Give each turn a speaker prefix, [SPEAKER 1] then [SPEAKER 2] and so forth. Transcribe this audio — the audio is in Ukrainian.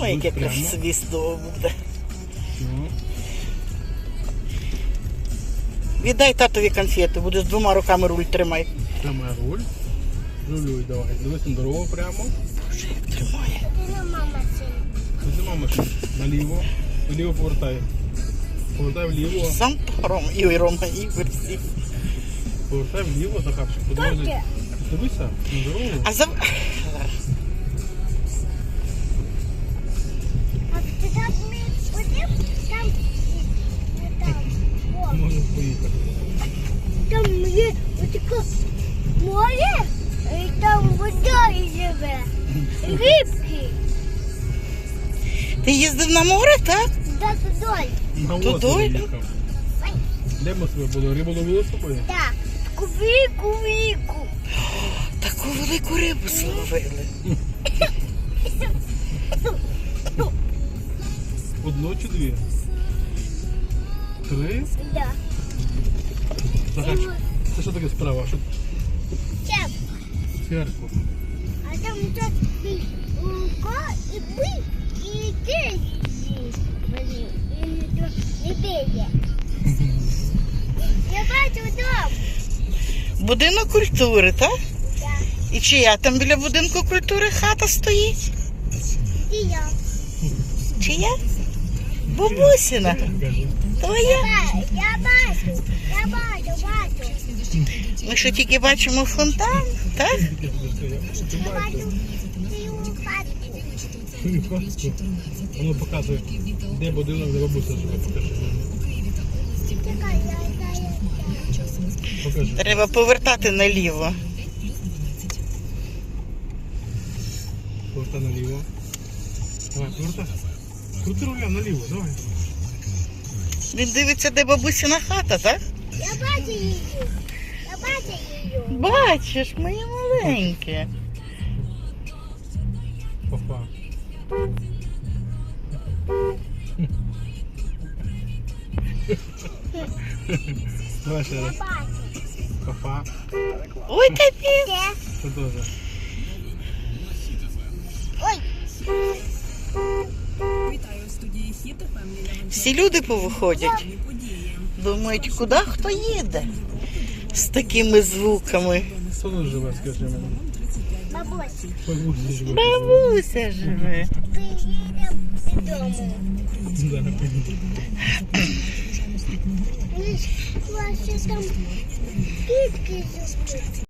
[SPEAKER 1] Ой, яке
[SPEAKER 2] прямо.
[SPEAKER 1] свістово буде.
[SPEAKER 2] Ну,
[SPEAKER 1] Віддай татові конфети, буде з двома руками руль тримай.
[SPEAKER 2] тримай руль. Рулюй, давай. Дивись на дорогу прямо.
[SPEAKER 1] Боже, як тримає.
[SPEAKER 2] Тут нема машин. Наліво. Наліво повертай. Повертай вліво.
[SPEAKER 1] Сам Рома, і Рома, і всі.
[SPEAKER 2] Повертай вліво, Захарчик. Подивися. Дивися на дорогу.
[SPEAKER 1] А за...
[SPEAKER 2] Можеш поїхати.
[SPEAKER 3] Там є отаке море, і там вода живе. Рибки.
[SPEAKER 1] Ти їздив на море, так?
[SPEAKER 3] Да, туди.
[SPEAKER 2] На
[SPEAKER 1] Туди?
[SPEAKER 2] озеро їхав. Де ми себе були? Рибу ловили з собою?
[SPEAKER 3] Так. Кувіку.
[SPEAKER 1] Таку велику рибу зловили.
[SPEAKER 2] Одну чи дві? Три?
[SPEAKER 3] Да.
[SPEAKER 2] Захарчик, це що таке справа? Що?
[SPEAKER 3] Чеп.
[SPEAKER 2] Церкву.
[SPEAKER 3] А там тут рука і бик, і ти не бігає. Я бачу дом.
[SPEAKER 1] Будинок культури, так?
[SPEAKER 3] Так.
[SPEAKER 1] І чия там біля будинку культури хата стоїть?
[SPEAKER 3] І я.
[SPEAKER 1] Чия? Бабусіна.
[SPEAKER 2] Кажи.
[SPEAKER 1] Твоя.
[SPEAKER 3] Я бачу.
[SPEAKER 1] Ми що тільки бачимо фонтан, так?
[SPEAKER 3] Я бачу цю хатку.
[SPEAKER 2] Свою хатку. Воно показує, де будинок, де бабуся живе. Покажи.
[SPEAKER 3] Чекай,
[SPEAKER 2] Покажи.
[SPEAKER 1] Треба повертати наліво.
[SPEAKER 2] Повертай наліво. Давай, повертай. Крути руля наліво, давай.
[SPEAKER 1] Він дивиться, де бабусіна хата, так?
[SPEAKER 3] Я бачу її.
[SPEAKER 1] Бачиш, моє маленьке.
[SPEAKER 2] Папа. Давай ще раз. Папа.
[SPEAKER 1] Ой, капець.
[SPEAKER 3] Де?
[SPEAKER 2] Це теж.
[SPEAKER 3] Ой.
[SPEAKER 4] Вітаю у студії Хіт ФМ.
[SPEAKER 1] Всі люди повиходять. Думають, куди хто їде з такими звуками.
[SPEAKER 2] Хто тут живе, скажи мені?
[SPEAKER 3] Бабусь,
[SPEAKER 2] Бабуся живе.
[SPEAKER 1] Бабуся живе.
[SPEAKER 3] приїдемо додому.
[SPEAKER 2] Да, поїду.
[SPEAKER 3] Ваші там кітки живуть.